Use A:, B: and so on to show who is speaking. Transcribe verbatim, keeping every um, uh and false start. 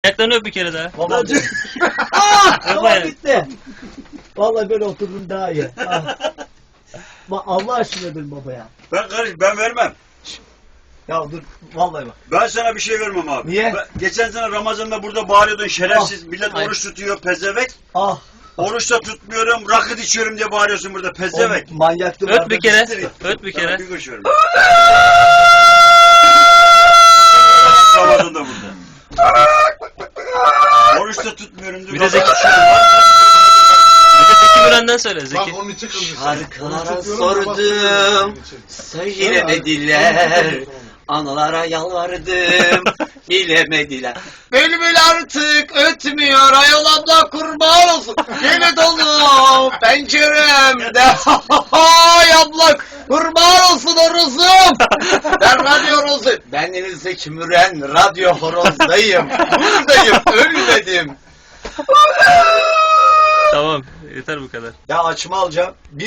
A: Ayaklarını öp bir kere daha.
B: Babacım.
A: Öp
B: Tamam
A: ayağını.
B: bitti. Vallahi böyle oturdum daha iyi. Ah. Bak Allah aşkına dön babaya.
C: Ben karış, ben vermem.
B: Ya dur vallahi bak.
C: Ben sana bir şey vermem abi.
B: Niye?
C: Ben, geçen sene Ramazan'da burada bağırıyordun şerefsiz. Millet
A: Hayır.
C: oruç tutuyor pezevenk.
B: Ah.
C: Oruç da tutmuyorum, rakı içiyorum diye bağırıyorsun burada pezevenk.
B: O manyaktı
A: Öp bir kere.
C: Bitir.
A: Öp bir
C: Sana
A: kere.
C: bir kuruş vermem. Ramazan'da burada. Oruç da tutmuyorum diyor.
A: Bir de
C: rakı
A: Zeki-
C: içiyorum.
A: Bir de Zeki Müren'den söyle
D: Bak
A: Zeki.
D: onun için kızmış.
E: Şarkılara sordum, söylemediler. Analara yalvardım, bilemediler. Bülbül artık ötmüyor, ayol abla kurban olsun. Yine dolu penceremde. Hay abla kurban olsun horozum. Ben radyo horozu. Ben Deniz Zeki Müren, radyo horozdayım. Buradayım, ölmedim.
A: Tamam yeter bu kadar.
B: Ya açma alacağım. Bir